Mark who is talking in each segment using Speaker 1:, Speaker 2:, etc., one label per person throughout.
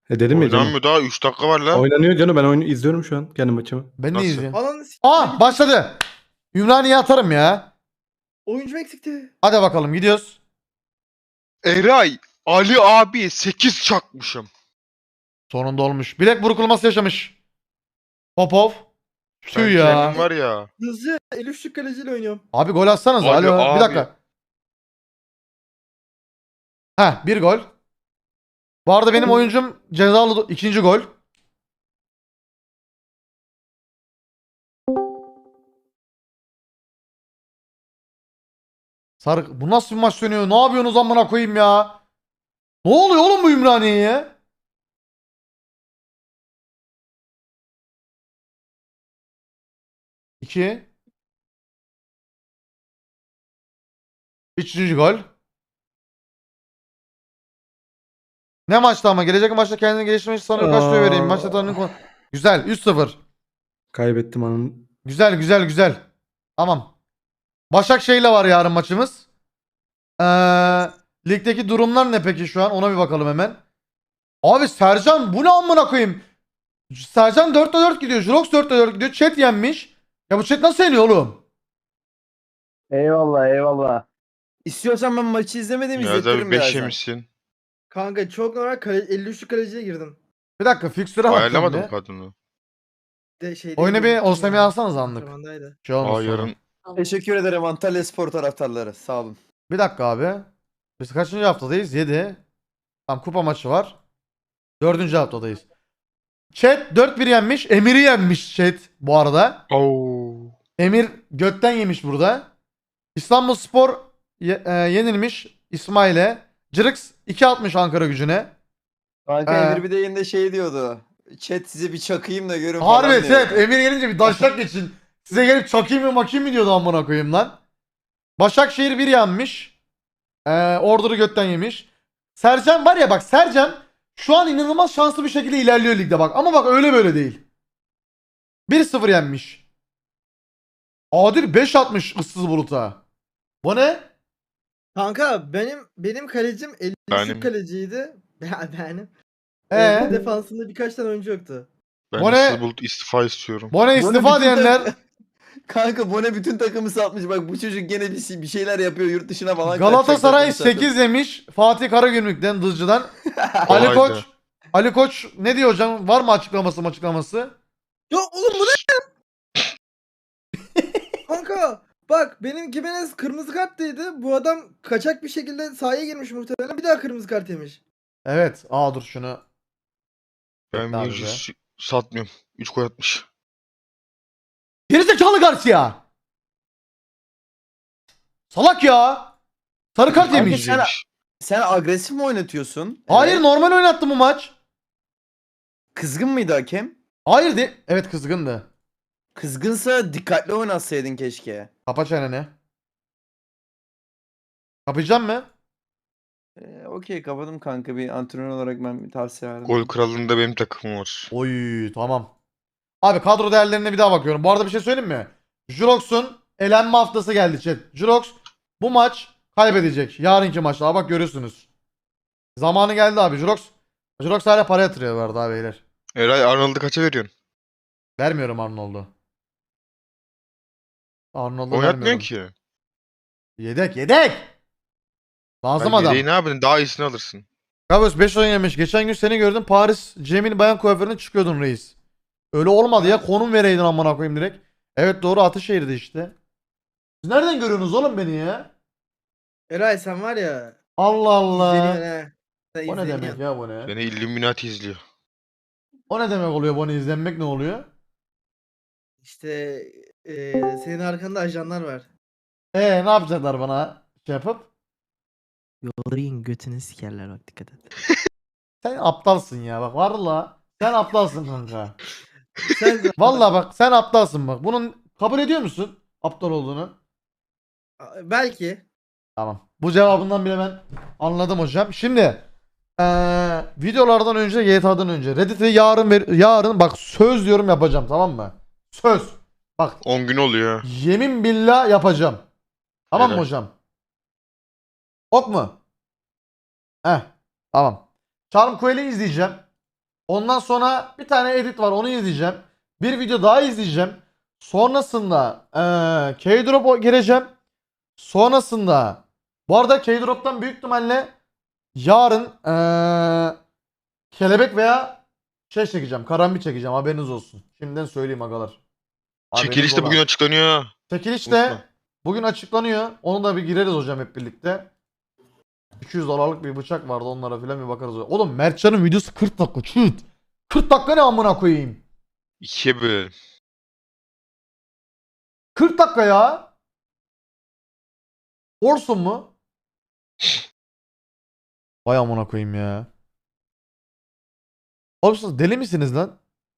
Speaker 1: Dedim ya canım.
Speaker 2: Oynanmıyor daha 3 dakika var lan.
Speaker 1: Oynanıyor canım. Ben oyunu izliyorum şu an. Kendi maçımı.
Speaker 3: Ben de
Speaker 2: Nasıl?
Speaker 3: izleyeyim.
Speaker 4: Ananı
Speaker 3: Aa başladı. Ümraniye atarım ya.
Speaker 4: Oyuncu eksikti.
Speaker 3: Hadi bakalım gidiyoruz.
Speaker 2: Eray, Ali abi 8 çakmışım.
Speaker 3: Sonunda olmuş. Bilek burkulması yaşamış. Popov.
Speaker 2: Sen
Speaker 3: Tüh ya.
Speaker 2: kendin var ya.
Speaker 4: Hızlı el üçlük kaleciyle oynuyorum.
Speaker 3: Abi gol atsanız.
Speaker 2: Abi,
Speaker 3: Alo. Bir
Speaker 2: abi.
Speaker 3: dakika. Heh bir gol. Bu arada benim oyuncum cezalı ikinci gol. Sarı, bu nasıl bir maç dönüyor? Ne yapıyorsunuz amına koyayım ya? Ne oluyor oğlum bu Ümraniye'ye? İki. Üçüncü gol. Ne maçtı ama? Gelecek maçta kendini geliştirmek için sana kaç vereyim? Maçta tanrının konu. Güzel. 3-0.
Speaker 1: Kaybettim anın.
Speaker 3: Güzel güzel güzel. Tamam. Başakşehir'le var yarın maçımız. Ligdeki durumlar ne peki şu an? Ona bir bakalım hemen. Abi Sercan bu ne amına koyayım? Sercan 4'te 4 gidiyor. Jurox 4'te 4 gidiyor. Chat yenmiş. Ya bu chat nasıl yeniyor oğlum?
Speaker 5: Eyvallah eyvallah. İstiyorsan ben maçı izlemedim
Speaker 2: Ya
Speaker 5: izletirim
Speaker 2: da 5
Speaker 5: birazdan.
Speaker 2: yemişsin.
Speaker 4: Kanka çok normal 50 üçlük kaleciye girdim.
Speaker 3: Bir dakika fixture'a bakıyorum
Speaker 2: Ayarlamadım
Speaker 3: bir.
Speaker 2: kadını.
Speaker 4: De şey
Speaker 3: Oyuna bir Osimhen'i alsanız anlık.
Speaker 4: Antrenmandaydı.
Speaker 3: Şey olmuş
Speaker 2: Aa
Speaker 3: sonra.
Speaker 2: yarın.
Speaker 5: Teşekkür ederim Antalya Spor taraftarları. Sağ olun.
Speaker 3: Bir dakika abi. Biz kaçıncı haftadayız? 7. Tamam kupa maçı var. 4. haftadayız. Chat 4-1 yenmiş. Emir'i yenmiş chat bu arada.
Speaker 2: Oo.
Speaker 3: Emir götten yemiş burada. İstanbulspor yenilmiş İsmail'e. Cırıks 2 atmış Ankara Gücü'ne.
Speaker 5: Kanka
Speaker 3: Ee.
Speaker 5: Emir bir de yayında şey diyordu. Chat size bir çakayım da görün falan
Speaker 3: Harbi
Speaker 5: diyordu.
Speaker 3: evet. Emir gelince bir daşlak geçin. Size gelip çakayım mı makayım mı diyordu amına koyayım lan. Başakşehir 1 yenmiş. Ordur'u götten yemiş. Sercan var ya bak Sercan şu an inanılmaz şanslı bir şekilde ilerliyor ligde bak. Ama bak öyle böyle değil. 1-0 yenmiş. Adil 5 atmış ıssız buluta. Bu ne?
Speaker 4: Kanka benim kalecim 50
Speaker 2: Benim.
Speaker 4: üçlük kaleciydi. Benim.
Speaker 3: Ee?
Speaker 4: Defansında birkaç tane oyuncu yoktu.
Speaker 2: Ben
Speaker 3: Bu ne?
Speaker 2: Issız Bulut istifa istiyorum.
Speaker 3: Bu ne istifa
Speaker 5: bütün
Speaker 3: diyenler?
Speaker 5: Kanka Bone bütün takımı satmış. Bak bu çocuk gene bir şeyler yapıyor yurt dışına falan.
Speaker 3: Galatasaray
Speaker 5: kaçacak takımı
Speaker 3: 8 demiş. Fatih Karagümrük'ten Dızcı'dan. Ali
Speaker 2: Kolaydı.
Speaker 3: Koç. Ali Koç ne diyor hocam? Var mı açıklaması?
Speaker 4: Ya oğlum bu ne? Kanka bak benim Gimenez kırmızı karttaydı. Bu adam kaçak bir şekilde sahaya girmiş muhtemelen. Bir daha kırmızı kart yemiş.
Speaker 3: Evet. Aa dur şunu.
Speaker 2: Ben
Speaker 3: Bekle abi
Speaker 2: Virgis satmıyorum. 3 gol atmış.
Speaker 3: Gerizekalı Garcia. Salak ya. Sarı kart
Speaker 5: Kanka
Speaker 3: yemiş.
Speaker 5: sen agresif mi oynatıyorsun?
Speaker 3: Hayır
Speaker 5: Evet.
Speaker 3: normal oynattı bu maç.
Speaker 5: Kızgın mıydı hakem?
Speaker 3: Hayır de. Evet kızgındı.
Speaker 5: Kızgınsa dikkatli oynatsaydın keşke.
Speaker 3: Kapa çeneni. Kapayacağım mı?
Speaker 5: Okey kapadım kanka, bir antrenör olarak ben bir tavsiye verdim.
Speaker 2: Gol kralında benim takımım var.
Speaker 3: Oy tamam. Abi kadro değerlerine bir daha bakıyorum. Bu arada bir şey söyleyeyim mi? Jurox'un elenme haftası geldi chat. Jurox bu maç kaybedecek. Yarınki maçta. Aa, bak görüyorsunuz. Zamanı geldi abi. Jurox hala para yatırıyor bu arada abi beyler.
Speaker 2: Eray Arnold'u kaça veriyorsun?
Speaker 3: Vermiyorum Arnold'u. Arnold'u
Speaker 2: Oynatmıyorsun
Speaker 3: vermiyorum.
Speaker 2: ki.
Speaker 3: Yedek. Lazım
Speaker 2: Ben
Speaker 3: adam.
Speaker 2: yedeği ne yapayım? Daha iyisini alırsın.
Speaker 3: Kavus 5 oyun yemiş. Geçen gün seni gördüm. Paris Cemil Bayan kuaförüne çıkıyordun reis. Öyle olmadı ya. Konum vereydin amına koyayım direkt. Evet doğru Ataşehir'de işte. Siz nereden görüyorsunuz oğlum beni ya?
Speaker 4: Eray sen var ya.
Speaker 3: Allah
Speaker 4: İzleniyorsun
Speaker 3: Allah.
Speaker 4: he. Sen
Speaker 3: O ne demek
Speaker 4: izleniyorsun.
Speaker 3: ya bu ne?
Speaker 2: Beni Illuminati izliyor.
Speaker 3: O ne demek oluyor bunu izlenmek ne oluyor?
Speaker 4: İşte senin arkanda ajanlar var.
Speaker 3: Ne yapacaklar bana şey yapıp?
Speaker 6: Yollayın götünü sikerler bak dikkat et.
Speaker 3: Sen aptalsın ya bak valla. Sen aptalsın kanka.
Speaker 4: Sen
Speaker 3: Valla bak sen aptalsın bak. Bunun kabul ediyor musun aptal olduğunu?
Speaker 4: belki.
Speaker 3: Tamam. Bu cevabından bile ben anladım hocam. Şimdi videolardan önce GTA'dan önce Reddit'e yarın bak söz diyorum yapacağım tamam mı? Söz. Bak
Speaker 2: 10 gün oluyor.
Speaker 3: yemin billah yapacağım. Tamam mı
Speaker 2: Helal.
Speaker 3: hocam? Ok mu? Heh. Tamam. Charm Coel'i izleyeceğim. Ondan sonra bir tane edit var, onu izleyeceğim. Bir video daha izleyeceğim. Sonrasında K-Drop'a gireceğim. Sonrasında bu arada K-Drop'tan büyük ihtimalle yarın kelebek veya şey çekeceğim. Karambit çekeceğim, haberiniz olsun. Şimdiden söyleyeyim agalar. Haberiniz
Speaker 2: Çekiliş de
Speaker 3: ola.
Speaker 2: bugün açıklanıyor.
Speaker 3: Çekiliş
Speaker 2: Unutma.
Speaker 3: de bugün açıklanıyor. Onu da bir gireriz hocam hep birlikte. 200 dolarlık bir bıçak vardı, onlara filan bir bakarız. Oğlum Mertcan'ın videosu 40 dakika çıt. 40 dakika ne amına koyayım.
Speaker 2: 2'ye bölelim.
Speaker 3: 40 dakika ya. Orsun mu? Vay amına koyayım ya. Oğlum siz deli misiniz lan?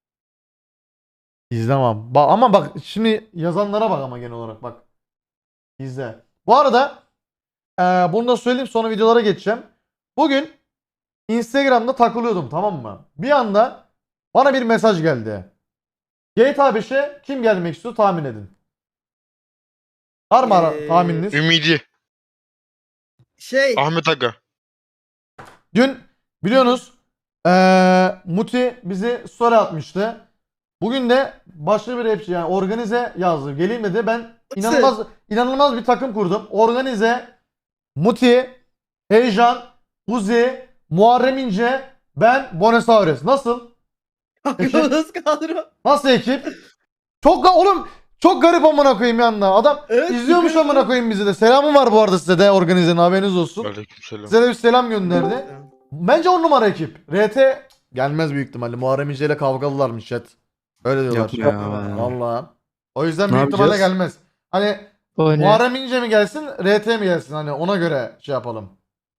Speaker 3: İzlemem. Ama bak şimdi yazanlara bak ama genel olarak bak. İzle. Bu arada bunu da söyleyeyim, sonra videolara geçeceğim. Bugün Instagram'da takılıyordum, tamam mı? Bir anda bana bir mesaj geldi. GTA 5'e kim gelmek istiyor tahmin edin. Var mı tahmininiz?
Speaker 2: Ümidi.
Speaker 4: Şey
Speaker 2: Ahmet Aga.
Speaker 3: Dün biliyorsunuz Muti bizi story atmıştı. Bugün de başka bir rapçi, yani Organize yazdı. Geleyim dedi. Ben inanılmaz bir takım kurdum. Organize, Muti, Heyecan, Uzi, Muharrem İnce, ben, Bonesaurus. Nasıl?
Speaker 4: aklımız kadro.
Speaker 3: Nasıl ekip? Oğlum çok garip amına koyayım yanına. Adam
Speaker 4: Evet,
Speaker 3: izliyormuş
Speaker 4: süper.
Speaker 3: amına koyayım bizi de. Selamı var bu arada size de, Organize'nin, haberiniz olsun.
Speaker 2: Aleykümselam.
Speaker 3: Size de bir selam gönderdi. Bence 10 numara ekip. RT gelmez büyük ihtimalle. Muharrem İnce ile kavgalılarmış chat. Öyle diyorlar.
Speaker 1: Yapma ya.
Speaker 3: Vallahi. O yüzden
Speaker 1: Ne
Speaker 3: büyük ihtimalle
Speaker 1: yapacağız?
Speaker 3: gelmez. Hani
Speaker 6: O ne?
Speaker 3: Muharrem İnce mi gelsin, RT mi gelsin? Hani ona göre şey yapalım.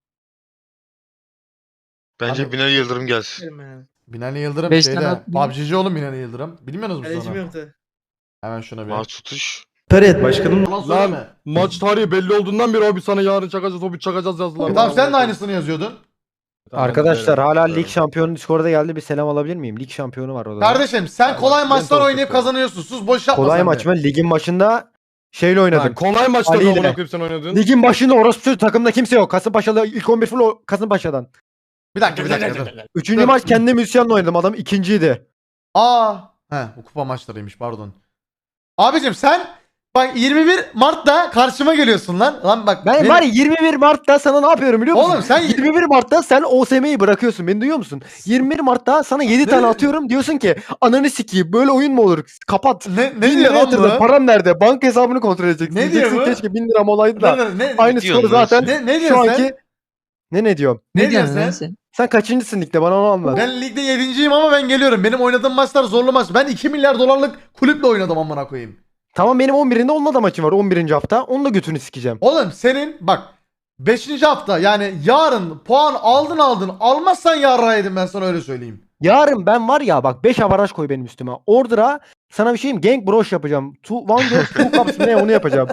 Speaker 2: Bence
Speaker 3: Abi-
Speaker 2: Binali Yıldırım gelsin.
Speaker 3: Binali Yıldırım
Speaker 6: Beş
Speaker 3: şeyde.
Speaker 6: tane at-
Speaker 3: PUBG'ci oğlum Binali Yıldırım. Bilmiyorsunuz mu
Speaker 4: Kalecim
Speaker 3: sonra?
Speaker 4: yoktu.
Speaker 3: Hemen şuna bir.
Speaker 2: Maç tutuş.
Speaker 4: Taret.
Speaker 1: Başkanım
Speaker 3: Yalan söyleme.
Speaker 7: Lan maç tarihi belli olduğundan beri abi sana yarın çakacağız, o bir çakacağız yazdılar.
Speaker 3: Tamam, sen de aynısını yazıyordun.
Speaker 7: Arkadaşlar
Speaker 8: Hala
Speaker 2: Evet.
Speaker 8: lig şampiyonu Discord'a geldi, bir selam alabilir miyim? Lig şampiyonu var orada.
Speaker 3: Kardeşim sen
Speaker 7: Tamam,
Speaker 3: kolay
Speaker 7: ben
Speaker 3: maçlar
Speaker 7: çok
Speaker 3: oynayıp
Speaker 7: tutuyorum.
Speaker 3: kazanıyorsun. Sus, boş yapma
Speaker 8: Kolay
Speaker 3: sen
Speaker 8: maç
Speaker 3: de.
Speaker 8: mı? Ligin başında şeyle
Speaker 7: Ha,
Speaker 8: oynadım.
Speaker 7: kolay maçta
Speaker 8: Ali
Speaker 7: da
Speaker 8: ile.
Speaker 7: amına koyup sen oynadın.
Speaker 8: Ligin başında orospu takımda kimse yok. Kasımpaşa'da ilk 11 full Kasımpaşa'dan.
Speaker 3: Bir dakika dur.
Speaker 8: Üçüncü
Speaker 3: Dur.
Speaker 8: maç kendi müzisyenle oynadım. Adam ikinciydi.
Speaker 3: Bu kupa maçlarıymış, pardon. Abicim sen bak 21 Mart'ta karşıma geliyorsun lan. Lan bak.
Speaker 8: Ben
Speaker 3: benim-
Speaker 8: var ya 21 Mart'ta sana ne yapıyorum biliyor musun?
Speaker 3: Oğlum sen
Speaker 8: 21 Mart'ta sen OSM'yi bırakıyorsun. Beni duyuyor musun? 21 Mart'ta sana 7 tane atıyorum. Diyorsun ki ananı sikeyim, böyle oyun mu olur? Kapat.
Speaker 3: ne
Speaker 8: 1000
Speaker 3: diyor
Speaker 8: lira
Speaker 3: lan
Speaker 8: yatırdım.
Speaker 3: bu?
Speaker 8: Param nerede? Banka hesabını kontrol edeceksin.
Speaker 3: Ne diyor
Speaker 8: Diyeceksin
Speaker 3: bu?
Speaker 8: keşke 1000 liram olaydı da.
Speaker 3: Ne
Speaker 8: Aynı
Speaker 2: diyorsun
Speaker 8: skoru
Speaker 2: lan
Speaker 8: zaten
Speaker 3: Ne
Speaker 8: şu
Speaker 3: diyorsun sen?
Speaker 8: anki... Ne diyorum?
Speaker 3: Ne diyorsun sen?
Speaker 8: Sen kaçıncısın ligde, bana onu anlat.
Speaker 3: Ben ligde 7.'yim ama ben geliyorum. Benim oynadığım maçlar zorlu maç. Ben 2 milyar dolarlık kulüple oynadım amına koyayım.
Speaker 8: Tamam, benim 11'inde onunla da maçım var, 11. hafta. Onu da götünü sikeceğim.
Speaker 3: Oğlum senin bak 5. hafta, yani yarın puan aldın almazsan yarraydın, ben sana öyle söyleyeyim.
Speaker 8: Yarın ben var ya bak 5 avaraj koy benim üstüme. Order'a sana bir şeyim, Gang Broş yapacağım. One Girl Two Cups ne, onu yapacağım.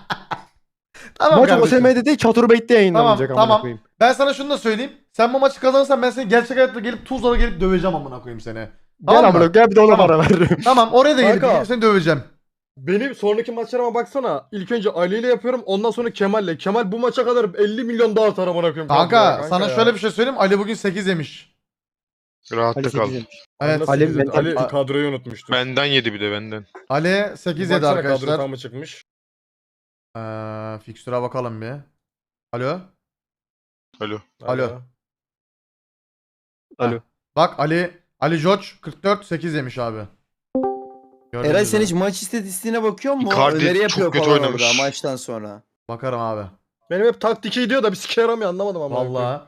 Speaker 3: Tamam
Speaker 8: Maç
Speaker 3: kardeşim.
Speaker 8: OSM'de değil, Çaturbeyt'te yayınlanacak
Speaker 3: Tamam,
Speaker 8: amına
Speaker 3: tamam.
Speaker 8: koyayım.
Speaker 3: Ben sana şunu da söyleyeyim. Sen bu maçı kazanırsan ben seni gerçek hayatta gelip Tuzla'da gelip döveceğim amına koyayım seni.
Speaker 8: Gel
Speaker 3: Tamam mı?
Speaker 8: amına, gel bir de ona
Speaker 3: Tamam.
Speaker 8: para veririm.
Speaker 3: Tamam, oraya da gelip
Speaker 7: Kanka.
Speaker 3: seni döveceğim.
Speaker 7: Benim sonraki maçlarıma baksana. İlk önce Ali ile yapıyorum, ondan sonra Kemal'le. Kemal bu maça kadar 50 milyon daha atar amına koyayım.
Speaker 3: Kanka sana şöyle bir şey söyleyeyim. Ali bugün 8 yemiş.
Speaker 2: Rahatta
Speaker 8: Ali
Speaker 2: kal.
Speaker 8: 8'im.
Speaker 3: Evet.
Speaker 8: Ali
Speaker 7: Ali,
Speaker 8: mental-
Speaker 7: Ali kadroyu unutmuştu.
Speaker 2: Benden yedi bir de benden.
Speaker 3: Ali 8 yedi
Speaker 7: Baksana kadro
Speaker 3: arkadaşlar.
Speaker 7: tamamı çıkmış.
Speaker 3: Fikstüre bakalım bir. Alo.
Speaker 2: Alo.
Speaker 3: Alo.
Speaker 8: Alo.
Speaker 3: Heh. Bak Ali George 44 8 yemiş abi. Gördüğünüz
Speaker 5: Eray sen
Speaker 3: üzere.
Speaker 5: hiç maç istatistiğine bakıyor musun?
Speaker 2: Icardi
Speaker 5: Öneri yapıyor
Speaker 2: çok kötü
Speaker 5: falan
Speaker 2: oynamış.
Speaker 5: orada maçtan sonra.
Speaker 3: Bakarım abi.
Speaker 7: Benim hep taktiki diyor da bir sike yaramıyor, anlamadım ama.
Speaker 3: Vallahi.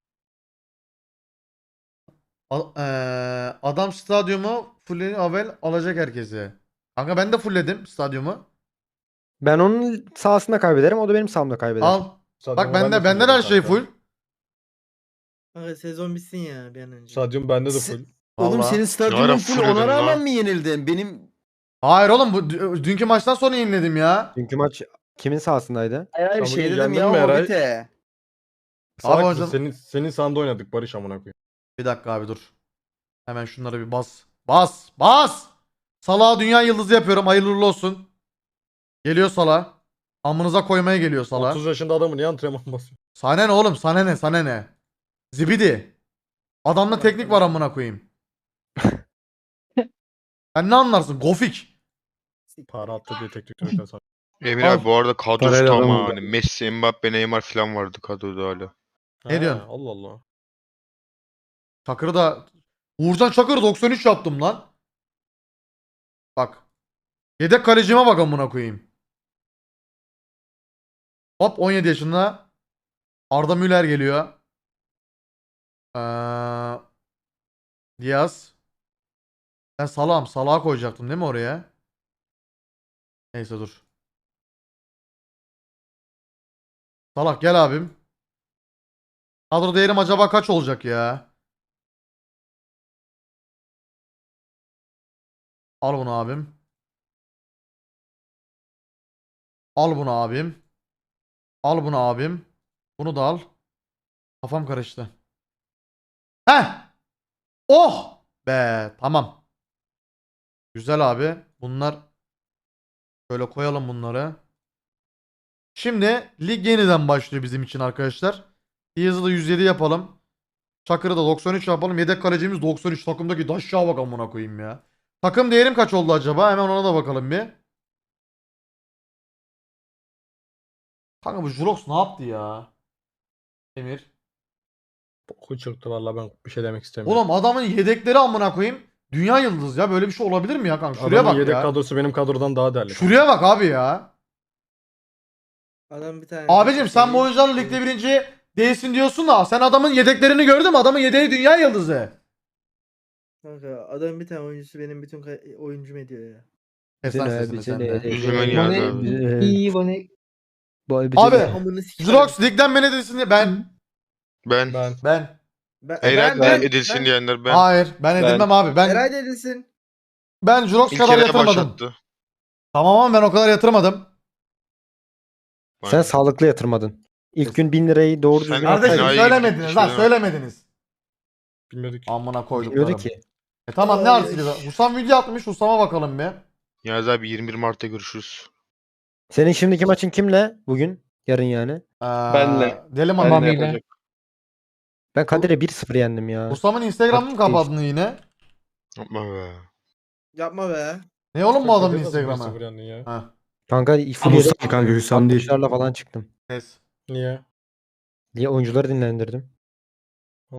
Speaker 3: Adam stadyumu full Avel alacak herkesi. Kanka ben de fullledim stadyumu.
Speaker 8: Ben onun sahasında kaybederim, o da benim sahamda kaybeder.
Speaker 3: Al. Bak bende de her şey full.
Speaker 4: Kanka sezon bitsin ya bir an önce.
Speaker 7: Stadyum bende de full.
Speaker 5: Oğlum
Speaker 3: Vallahi.
Speaker 5: senin
Speaker 2: Ne ara
Speaker 5: stadyumun full,
Speaker 2: full
Speaker 5: ona
Speaker 2: ödedin
Speaker 5: rağmen
Speaker 2: lan?
Speaker 5: mi yenildin? Benim
Speaker 3: Hayır oğlum, bu dünkü maçtan sonra yeniledim ya.
Speaker 8: Dünkü maç kimin sahasındaydı?
Speaker 5: hayır
Speaker 7: Sen
Speaker 5: şey
Speaker 7: bugün
Speaker 5: dedim
Speaker 7: yendin
Speaker 5: ya
Speaker 7: mi Eray?
Speaker 5: Hobbit'e.
Speaker 3: Abi
Speaker 7: Salak
Speaker 3: hocam-
Speaker 7: mısın? Senin sahanda oynadık Barış amına koyayım.
Speaker 3: Bir dakika abi dur. Hemen şunları bir bas. Bas. Salah'a dünya yıldızı yapıyorum. Hayırlı uğurlu olsun. Geliyor Salah. Amınıza koymaya geliyor Salah.
Speaker 7: 30 yaşında adamı niye antrenman basıyor?
Speaker 3: Sana ne oğlum? Sana ne? Sana ne? Zibidi. Adamda teknik var amına koyayım. Sen ne anlarsın? Gofik.
Speaker 7: Para attı diye teknik direktör sana.
Speaker 2: Emir
Speaker 3: Al.
Speaker 2: abi bu arada kadrosu
Speaker 1: Parayla
Speaker 2: tam
Speaker 1: adam
Speaker 2: ha.
Speaker 1: oldu.
Speaker 2: Hani Messi, Mbappe, Neymar falan vardı kadroda hala.
Speaker 3: Ne diyorsun?
Speaker 7: Allah Allah.
Speaker 3: Çakır'ı da... Uğurcan Çakır'ı 93 yaptım lan. Bak. Yedek kalecime bak amına koyayım. Hop 17 yaşında. Arda Müller geliyor. Diaz. Ben Salah'a koyacaktım değil mi oraya? Neyse dur. Salah gel abim. Kadro değerim acaba kaç olacak ya? Al bunu abim. Al bunu abim. Al bunu abim. Bunu da al. Kafam karıştı. Heh. Oh. Be tamam. Güzel abi. Bunlar şöyle koyalım bunları. Şimdi lig yeniden başlıyor bizim için arkadaşlar. Diaz'ı da 107 yapalım. Çakır'ı da 93 yapalım. Yedek kalecimiz 93. Takımdaki daşşağa bak amına koyayım ya. Takım değerim kaç oldu acaba? Hemen ona da bakalım bir. Kanka bu Jurox ne yaptı ya? Emir.
Speaker 7: Boku çıktı valla ben bir şey demek istemiyorum.
Speaker 3: Oğlum adamın yedekleri amına koyayım. Dünya yıldız ya. Böyle bir şey olabilir mi ya kanka? Şuraya
Speaker 7: Adamın
Speaker 3: bak
Speaker 7: yedek
Speaker 3: ya.
Speaker 7: kadrosu benim kadrodan daha değerli.
Speaker 3: Şuraya bak abi ya.
Speaker 4: Adam bir tane.
Speaker 3: Abicim sen bu oyuncularla ligde birinci değilsin diyorsun da sen adamın yedeklerini gördün mü? Adamın yedeği dünya yıldızı.
Speaker 4: Kanka adamın bir tane oyuncusu benim bütün oyuncum ediyor ya.
Speaker 3: Kes lan sesini sen de.
Speaker 2: Üzülmen ya abi.
Speaker 6: İyi bana. Bu
Speaker 3: Abi
Speaker 4: Amını sikerim.
Speaker 3: Jurox ligden men edilsin diye ben.
Speaker 2: Ben.
Speaker 3: Ben.
Speaker 2: Eray edilsin diyenler ben.
Speaker 3: Hayır ben edilmem abi. Ben
Speaker 4: Eray dedilsin.
Speaker 3: ben Jurox
Speaker 2: İlk
Speaker 3: kadar
Speaker 2: kere
Speaker 3: yatırmadım.
Speaker 2: başlattı.
Speaker 3: Tamam ama ben o kadar yatırmadım.
Speaker 8: Sen sağlıklı yatırmadın. İlk gün 1000 lirayı doğru
Speaker 2: Sen-
Speaker 8: düzgün
Speaker 3: Kardeşim
Speaker 2: Enayi
Speaker 3: söylemediniz
Speaker 2: gibi
Speaker 3: lan
Speaker 2: düşünüyorum.
Speaker 3: söylemediniz.
Speaker 7: Bilmiyorduk.
Speaker 3: Amına koyduklarım.
Speaker 8: bilmiyordu ki.
Speaker 3: Tamam ne
Speaker 4: Ay.
Speaker 3: artık? Husam video atmış. Husam'a bakalım bir.
Speaker 2: Yaz abi 21 Mart'ta görüşürüz.
Speaker 8: Senin şimdiki maçın kimle bugün? Yarın yani.
Speaker 3: Benle. Deli Mami.
Speaker 7: Mami'yle.
Speaker 8: Ben Kadir'e 1-0 yendim ya.
Speaker 3: Husam'ın Instagram'ını mı
Speaker 8: Taktik
Speaker 3: kapadın yine?
Speaker 2: Yapma be.
Speaker 4: Yapma be.
Speaker 3: Ne oğlum bu adamın
Speaker 7: Nasıl
Speaker 3: Instagram'ı?
Speaker 7: 1-0 yendin ya?
Speaker 3: Ha,
Speaker 8: Kanka full
Speaker 1: Hüsam
Speaker 8: yedek
Speaker 1: kanka Hüsam değil.
Speaker 8: 60'larla falan çıktım.
Speaker 3: kes.
Speaker 7: Niye?
Speaker 8: Diye oyuncuları dinlendirdim.